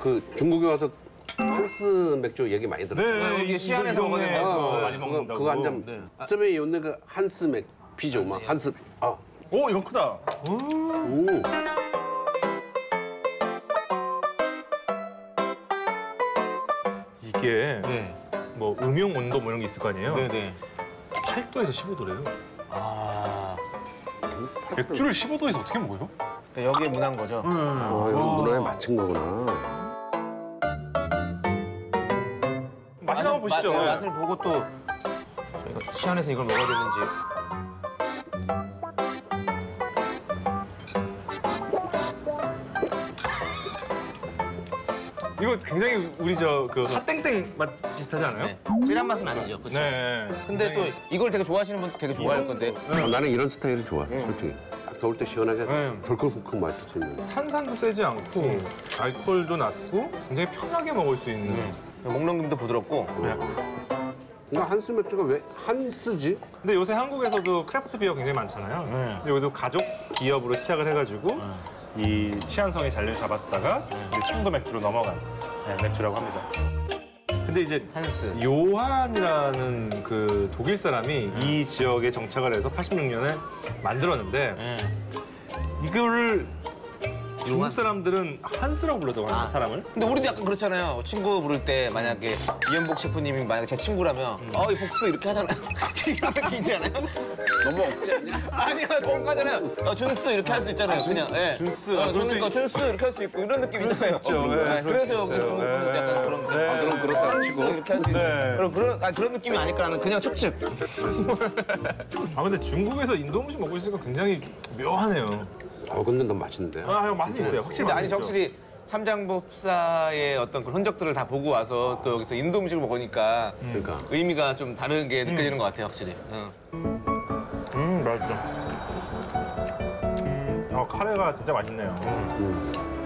그 중국에 와서 한스 맥주 얘기 많이 들었잖아요. 네, 이게 시안에서 먹는 많이 먹는다고. 그거 한 잔. 네. 쯤에 있는 그 한스 맥 피죠, 막 한스. 아, 오, 이건 크다. 오. 이게 네. 뭐 음용 온도 뭐 이런 게 있을 거 아니에요? 네네. 8도에서 15도래요. 아. 맥주를 15도에서 어떻게 먹어요? 여기에 문한 거죠? 아, 이거 문화에 맞춘 거구나. 맛이 한번 보시죠. 네. 맛을 보고 또 저희가 시안에서 이걸 먹어야 되는지. 이거 굉장히 우리 그 핫땡땡 맛 비슷하지 않아요? 네. 진한 맛은 아니죠. 그렇죠? 네. 근데 또 이걸 되게 좋아하시는 분 되게 좋아할 건데. 아, 나는 이런 스타일이 좋아, 솔직히. 딱 더울 때 시원하게 네. 덜컥덜컥 마실 수 있는. 탄산도 세지 않고 알코올도 낮고 굉장히 편하게 먹을 수 있는. 목넘김도 부드럽고. 네. 근데 한스 맥주가 왜 한스지? 근데 요새 한국에서도 크래프트 비어 굉장히 많잖아요. 근데 여기도 가족 기업으로 시작을 해가지고 이 시안성의 자리를 잡았다가 이제 청도 맥주로 넘어간 맥주라고 합니다. 근데 이제 한스. 요한이라는 그 독일 사람이 이 지역에 정착을 해서 86년에 만들었는데 네. 이거를 중국 요한? 사람들은 한스라고 부르더라고요, 아. 사람을. 근데 우리도 약간 그렇잖아요. 친구 부를 때 만약에 이현복 셰프님이 만약에 제 친구라면 이 복스 이렇게 하잖아요. 이런 느낌이지 않아요? 너무 억지 아니야? 아니야, 그런 거 하잖아요. 준스 이렇게 할 수 있잖아요, 그냥. 예. 준스. 그러니까 준스 이렇게 할 수 있고 이런 느낌 있잖아요. 네, 그래서 여기 있어요. 중국 분도 약간 그런 거. 네. 아, 그럼 그렇다고 준스 치고. 이렇게 할 수 있고. 네. 그런 느낌이 아닐까 하는 그냥 추측. 아 근데 중국에서 인도 음식 먹고 있으니까 굉장히 묘하네요. 근데 너무 맛있는데. 아, 맛은 있어요. 확실히 근데 맛은 아니 있죠. 확실히 삼장법사의 어떤 그 흔적들을 다 보고 와서 또 여기서 인도 음식을 먹으니까 그러니까. 의미가 좀 다른 게 느껴지는 것 같아요, 확실히. 맛있죠. 카레가 진짜 맛있네요.